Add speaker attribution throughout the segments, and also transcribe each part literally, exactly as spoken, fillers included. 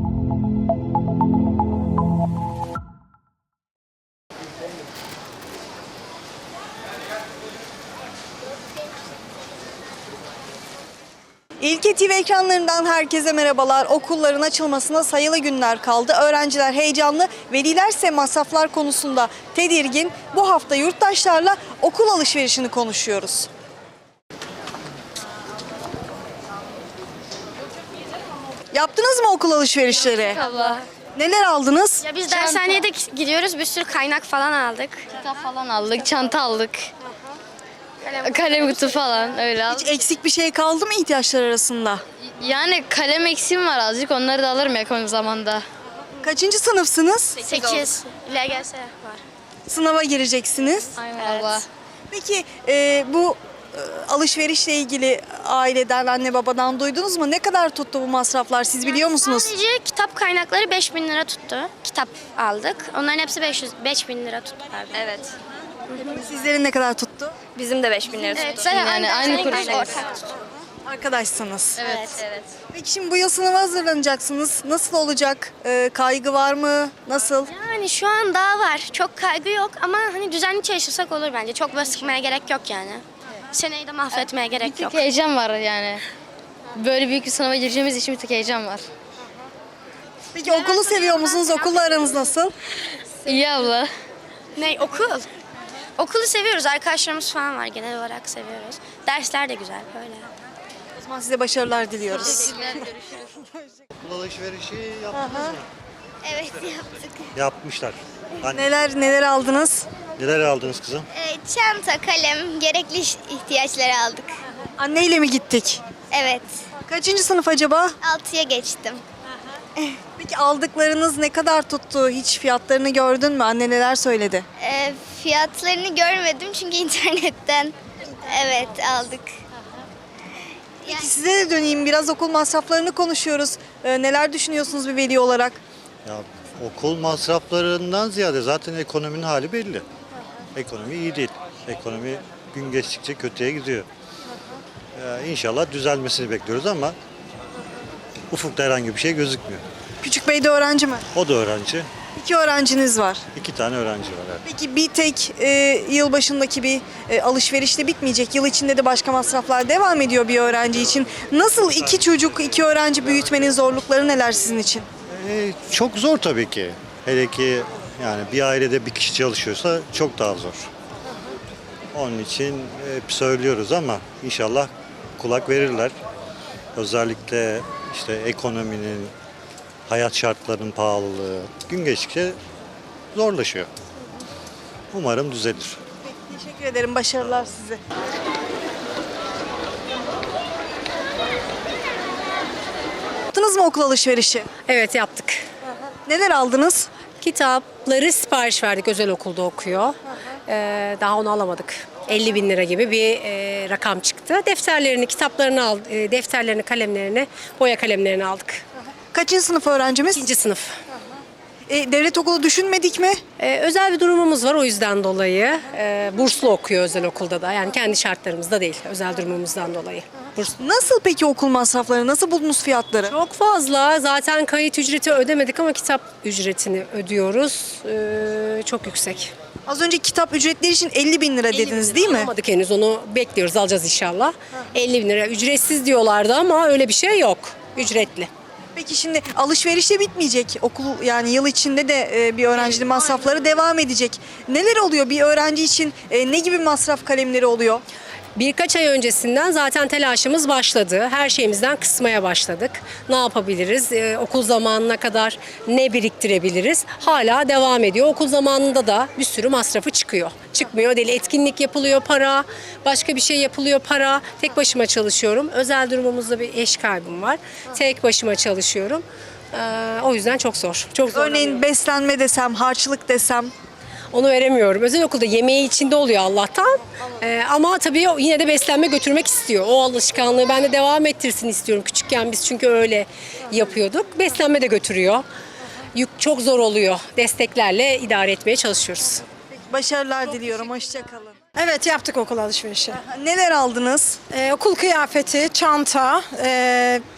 Speaker 1: İlke T V ekranlarından herkese merhabalar. Okulların açılmasına sayılı günler kaldı. Öğrenciler heyecanlı, velilerse masraflar konusunda tedirgin. Bu hafta yurttaşlarla okul alışverişini konuşuyoruz. Yaptınız mı okul alışverişleri?
Speaker 2: Allah.
Speaker 1: Neler aldınız?
Speaker 2: Ya biz dershaneye de gidiyoruz, bir sürü kaynak falan aldık.
Speaker 3: Kitap falan aldık, çanta aldık. Kalem, kalem kutu falan öyle aldık.
Speaker 1: Hiç eksik bir şey kaldı mı ihtiyaçlar arasında?
Speaker 3: Yani kalem eksiğim var azıcık, onları da alırım yakın zamanda.
Speaker 1: Kaçıncı sınıfsınız?
Speaker 2: sekiz. L G S var.
Speaker 1: Sınava gireceksiniz.
Speaker 3: Aynen Allah.
Speaker 1: Peki e, bu e, alışverişle ilgili aileden, anne babadan duydunuz mu? Ne kadar tuttu bu masraflar, siz biliyor musunuz?
Speaker 2: Sadece kitap kaynakları beş bin lira tuttu. Kitap aldık. Onların hepsi beş yüz, beş bin lira tuttu. Evet.
Speaker 1: Sizlerin ne kadar tuttu?
Speaker 4: Bizim de beş bin lira tuttu.
Speaker 2: Evet,
Speaker 3: Yani aynı kuruş.
Speaker 1: Arkadaşsınız.
Speaker 3: Evet.
Speaker 4: Evet.
Speaker 1: Peki şimdi bu yıl sınava hazırlanacaksınız. Nasıl olacak? E, kaygı var mı? Nasıl?
Speaker 2: Yani şu an daha var. Çok kaygı yok ama hani düzenli çalışırsak olur bence. Çok böyle sıkmaya gerek yok yani. Seneyi de mahvetmeye gerek
Speaker 3: Bir
Speaker 2: yok.
Speaker 3: tık heyecan var yani. Böyle büyük bir sınava gireceğimiz için bir tık heyecan var.
Speaker 1: Peki okulu seviyor musunuz? Okulla aranız nasıl?
Speaker 3: İyi abla.
Speaker 2: Ne, okul? Okulu seviyoruz. Arkadaşlarımız falan var. Genel olarak seviyoruz. Dersler de güzel böyle.
Speaker 1: O zaman size başarılar diliyoruz.
Speaker 5: Okul alışverişi yaptınız mı?
Speaker 4: Evet yaptık.
Speaker 5: Yapmışlar. Hani
Speaker 1: Neler neler aldınız?
Speaker 5: neler aldınız kızım?
Speaker 4: Ee, çanta, kalem, gerekli iş- ihtiyaçları aldık.
Speaker 1: Anneyle mi gittik?
Speaker 4: Evet.
Speaker 1: Kaçıncı sınıf acaba?
Speaker 4: Altıya geçtim.
Speaker 1: Peki aldıklarınız ne kadar tuttu? Hiç fiyatlarını gördün mü? Anne neler söyledi?
Speaker 4: Ee, fiyatlarını görmedim çünkü internetten evet aldık.
Speaker 1: Peki size de döneyim. Biraz okul masraflarını konuşuyoruz. Ee, neler düşünüyorsunuz bir veli olarak?
Speaker 5: Ya okul masraflarından ziyade zaten ekonominin hali belli. Ekonomi iyi değil. Ekonomi gün geçtikçe kötüye gidiyor. Ee, İnşallah düzelmesini bekliyoruz ama ufukta herhangi bir şey gözükmüyor.
Speaker 1: Küçük Bey de öğrenci mi?
Speaker 5: O da öğrenci.
Speaker 1: İki öğrenciniz var.
Speaker 5: İki tane öğrenci var. Evet.
Speaker 1: Peki bir tek e, yıl başındaki bir e, alışverişte bitmeyecek. Yıl içinde de başka masraflar devam ediyor bir öğrenci için. Nasıl iki çocuk, iki öğrenci büyütmenin zorlukları neler sizin için?
Speaker 5: Ee, çok zor tabii ki. Hele ki yani bir ailede bir kişi çalışıyorsa çok daha zor. Onun için hep söylüyoruz ama inşallah kulak verirler. Özellikle işte ekonominin, hayat şartlarının pahalılığı gün geçtikçe zorlaşıyor. Umarım düzelir.
Speaker 1: Teşekkür ederim. Başarılar size. Yaptınız mı okul alışverişi?
Speaker 6: Evet yaptık.
Speaker 1: Neler aldınız?
Speaker 6: Kitapları sipariş verdik, özel okulda okuyor. Ee, daha onu alamadık. elli bin lira gibi bir e, rakam çıktı. Defterlerini, kitaplarını aldık, e, defterlerini, kalemlerini, boya kalemlerini aldık.
Speaker 1: Kaçıncı sınıf öğrencimiz?
Speaker 6: İkinci sınıf.
Speaker 1: E, devlet okulu düşünmedik mi?
Speaker 6: Ee, özel bir durumumuz var, o yüzden dolayı. Ee, burslu okuyor özel okulda da. Yani kendi şartlarımızda değil, özel durumumuzdan dolayı. Burslu.
Speaker 1: Nasıl peki okul masrafları? Nasıl buldunuz fiyatları?
Speaker 6: Çok fazla. Zaten kayıt ücreti ödemedik ama kitap ücretini ödüyoruz. Ee, çok yüksek.
Speaker 1: Az önce kitap ücretleri için elli bin lira dediniz değil mi?
Speaker 6: Alamadık henüz, onu bekliyoruz, alacağız inşallah. elli bin lira ücretsiz diyorlardı ama öyle bir şey yok. Ücretli.
Speaker 1: Peki şimdi alışverişte bitmeyecek. Okul yani yıl içinde de e, bir öğrencinin masrafları devam edecek. Neler oluyor bir öğrenci için? E, ne gibi masraf kalemleri oluyor?
Speaker 6: Birkaç ay öncesinden zaten telaşımız başladı. Her şeyimizden kısmaya başladık. Ne yapabiliriz? Ee, okul zamanına kadar ne biriktirebiliriz? Hala devam ediyor. Okul zamanında da bir sürü masrafı çıkıyor. Çıkmıyor değil. Etkinlik yapılıyor, para. Başka bir şey yapılıyor, para. Tek başıma çalışıyorum. Özel durumumuzda bir eş kaybım var. Tek başıma çalışıyorum. Ee, o yüzden çok zor. Çok zor.
Speaker 1: Örneğin beslenme desem, harçlık desem.
Speaker 6: Onu veremiyorum. Özel okulda yemeği içinde oluyor Allah'tan. Ee, ama tabii yine de beslenme götürmek istiyor. O alışkanlığı ben de devam ettirsin istiyorum. Küçükken biz çünkü öyle yapıyorduk. Beslenme de götürüyor. Yük çok zor oluyor. Desteklerle idare etmeye çalışıyoruz.
Speaker 1: Başarılar diliyorum. Hoşçakalın.
Speaker 7: Evet yaptık okul alışverişi.
Speaker 1: Neler aldınız?
Speaker 7: Ee, okul kıyafeti, çanta, e,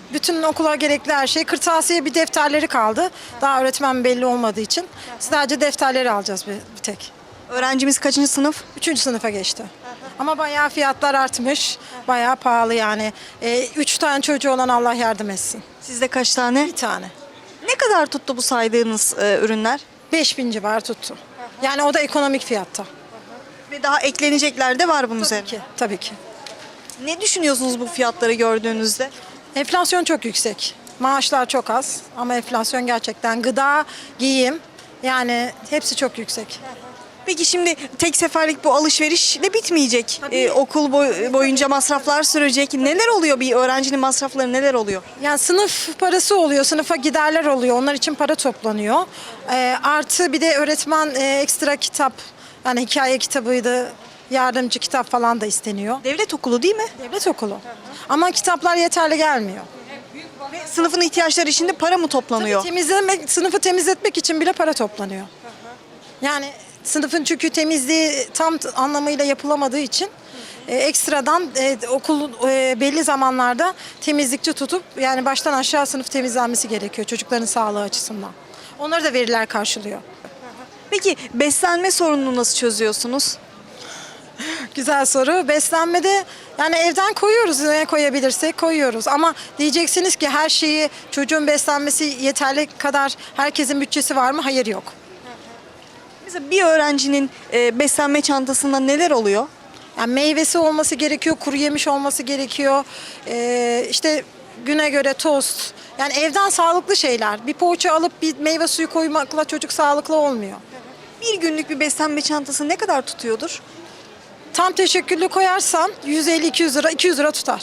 Speaker 7: Bütün okula gerekli her şey. Kırtasiye bir defterleri kaldı. Daha öğretmen belli olmadığı için. Sadece defterleri alacağız bir, bir tek.
Speaker 1: Öğrencimiz kaçıncı sınıf?
Speaker 7: Üçüncü sınıfa geçti. Ama bayağı fiyatlar artmış. Bayağı pahalı yani. Ee, üç tane çocuğu olan Allah yardım etsin.
Speaker 1: Sizde kaç tane?
Speaker 7: Bir tane.
Speaker 1: Ne kadar tuttu bu saydığınız e, ürünler?
Speaker 7: beş bin civarı tuttu. Yani o da ekonomik fiyatta.
Speaker 1: Ve daha eklenecekler de var bunun
Speaker 7: Tabii
Speaker 1: üzerine.
Speaker 7: ki, tabii ki.
Speaker 1: Ne düşünüyorsunuz bu fiyatları gördüğünüzde?
Speaker 7: Enflasyon çok yüksek. Maaşlar çok az ama enflasyon gerçekten gıda, giyim yani hepsi çok yüksek.
Speaker 1: Peki şimdi tek seferlik bu alışverişle bitmeyecek. Ee, okul boy- boyunca masraflar sürecek. Neler oluyor, bir öğrencinin masrafları neler oluyor?
Speaker 7: Yani sınıf parası oluyor, sınıfa giderler oluyor. Onlar için para toplanıyor. Ee, artı bir de öğretmen e, ekstra kitap, yani hikaye kitabıydı, yardımcı kitap falan da isteniyor.
Speaker 1: Devlet okulu değil mi?
Speaker 7: Devlet okulu. Ama kitaplar yeterli gelmiyor.
Speaker 1: Ve sınıfın ihtiyaçları için de para mı toplanıyor?
Speaker 7: Temizlemek, sınıfı temizletmek için bile para toplanıyor. Yani sınıfın çünkü temizliği tam t- anlamıyla yapılamadığı için e, ekstradan e, okul e, belli zamanlarda temizlikçi tutup yani baştan aşağı sınıf temizlenmesi gerekiyor çocukların sağlığı açısından. Onları da veriler karşılıyor.
Speaker 1: Peki beslenme sorununu nasıl çözüyorsunuz?
Speaker 7: Güzel soru. Beslenmede yani evden koyuyoruz, ne koyabilirsek koyuyoruz. Ama diyeceksiniz ki her şeyi çocuğun beslenmesi yeterli kadar herkesin bütçesi var mı? Hayır, yok.
Speaker 1: Mesela bir öğrencinin e, beslenme çantasında neler oluyor?
Speaker 7: Yani meyvesi olması gerekiyor, kuru yemiş olması gerekiyor. Ee, işte güne göre tost. Yani evden sağlıklı şeyler. Bir poğaça alıp bir meyve suyu koymakla çocuk sağlıklı olmuyor.
Speaker 1: Bir günlük bir beslenme çantası ne kadar tutuyordur?
Speaker 7: Tam teşekküllü koyarsan yüz elli iki yüz lira, iki yüz lira tutar.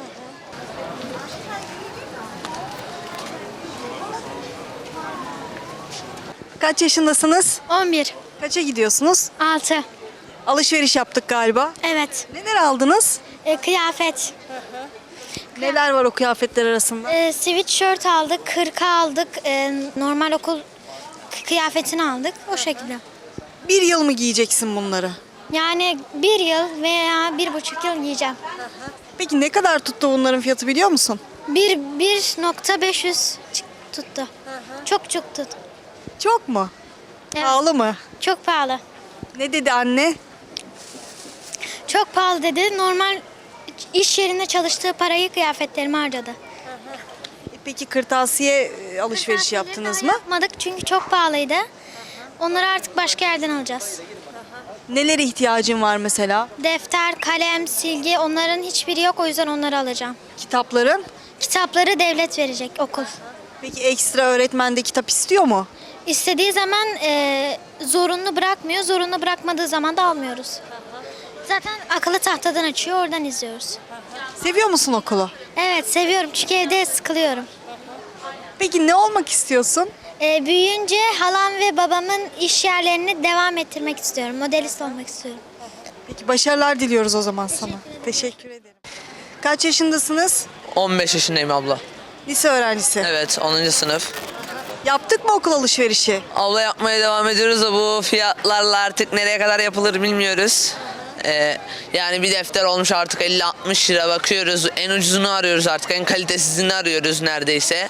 Speaker 1: Kaç yaşındasınız?
Speaker 2: on bir.
Speaker 1: Kaça gidiyorsunuz?
Speaker 2: altı.
Speaker 1: Alışveriş yaptık galiba.
Speaker 2: Evet.
Speaker 1: Neler aldınız?
Speaker 2: E, kıyafet.
Speaker 1: Neler var o kıyafetler arasında?
Speaker 2: E, sweatshirt aldık, kırka aldık, e, normal okul kıyafetini aldık. O şekilde.
Speaker 1: Bir yıl mı giyeceksin bunları?
Speaker 2: Yani bir yıl veya bir buçuk yıl giyeceğim.
Speaker 1: Peki ne kadar tuttu bunların fiyatı biliyor musun?
Speaker 2: Bir, bir nokta beş yüz tuttu. Çok çok tuttu.
Speaker 1: Çok mu?
Speaker 2: Evet.
Speaker 1: Pahalı mı?
Speaker 2: Çok pahalı.
Speaker 1: Ne dedi anne?
Speaker 2: Çok pahalı dedi. Normal iş yerinde çalıştığı parayı kıyafetlerime harcadı.
Speaker 1: E Peki kırtasiye e, alışveriş yaptınız mı?
Speaker 2: Yapmadık çünkü çok pahalıydı. Onları artık başka yerden alacağız.
Speaker 1: Nelere ihtiyacın var mesela?
Speaker 2: Defter, kalem, silgi onların hiçbiri yok, o yüzden onları alacağım.
Speaker 1: Kitapların?
Speaker 2: Kitapları devlet verecek, okul.
Speaker 1: Peki ekstra öğretmen de kitap istiyor mu?
Speaker 2: İstediği zaman e, zorunlu bırakmıyor, zorunlu bırakmadığı zaman da almıyoruz. Zaten akıllı tahtadan açıyor, oradan izliyoruz.
Speaker 1: Seviyor musun okulu?
Speaker 2: Evet, seviyorum çünkü evde sıkılıyorum.
Speaker 1: Peki ne olmak istiyorsun?
Speaker 2: E, büyüyünce halam ve babamın iş yerlerini devam ettirmek istiyorum. Modelist olmak istiyorum.
Speaker 1: Peki başarılar diliyoruz o zaman sana. Teşekkür ederim. Kaç yaşındasınız?
Speaker 8: on beş yaşındayım abla.
Speaker 1: Lise öğrencisi.
Speaker 8: Evet, onuncu sınıf.
Speaker 1: Yaptık mı okul alışverişi?
Speaker 8: Abla yapmaya devam ediyoruz da bu fiyatlarla artık nereye kadar yapılır bilmiyoruz. Ee, yani bir defter olmuş artık elli altmış lira, bakıyoruz. En ucuzunu arıyoruz artık, en kalitesizini arıyoruz neredeyse.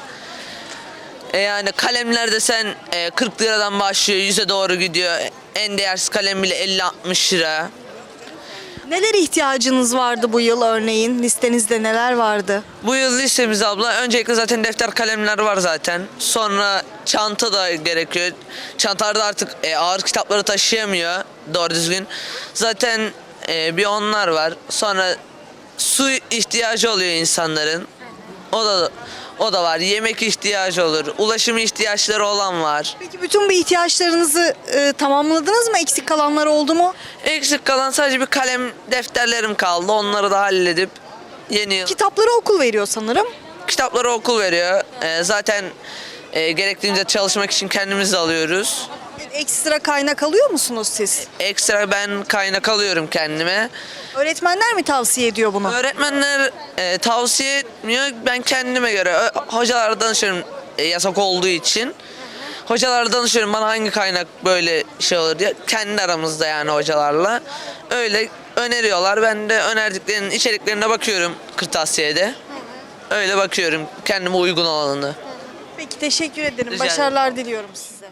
Speaker 8: E yani kalemler de sen e, kırk liradan başlıyor, yüze doğru gidiyor. En değersiz kalem bile elli altmış lira.
Speaker 1: Nelere ihtiyacınız vardı bu yıl örneğin? Listenizde neler vardı?
Speaker 8: Bu yıl listemiz abla öncelikle zaten defter kalemler var zaten. Sonra çanta da gerekiyor. Çantalarda artık e, ağır kitapları taşıyamıyor doğru düzgün. Zaten e, bir onlar var. Sonra su ihtiyacı oluyor insanların. O da o da var. Yemek ihtiyacı olur. Ulaşım ihtiyaçları olan var.
Speaker 1: Peki bütün bu ihtiyaçlarınızı e, tamamladınız mı? Eksik kalanlar oldu mu?
Speaker 8: Eksik kalan sadece bir kalem defterlerim kaldı. Onları da halledip yeni yıl
Speaker 1: Kitapları okul veriyor sanırım.
Speaker 8: kitapları okul veriyor. Ee, zaten e, gerektiğimizde çalışmak için kendimiz de alıyoruz.
Speaker 1: Ekstra kaynak alıyor musunuz siz?
Speaker 8: Ekstra ben kaynak alıyorum kendime.
Speaker 1: Öğretmenler mi tavsiye ediyor bunu?
Speaker 8: Öğretmenler e, tavsiye etmiyor. Ben kendime göre ö- hocalara danışıyorum e, yasak olduğu için. Hocalara danışıyorum bana hangi kaynak böyle şey olur diye. Kendi aramızda yani hocalarla. Öyle öneriyorlar. Ben de önerdiklerinin içeriklerine bakıyorum kırtasiyede. öyle bakıyorum kendime uygun olanını.
Speaker 1: Peki teşekkür ederim.
Speaker 8: Rica ederim.
Speaker 1: Başarılar diliyorum size.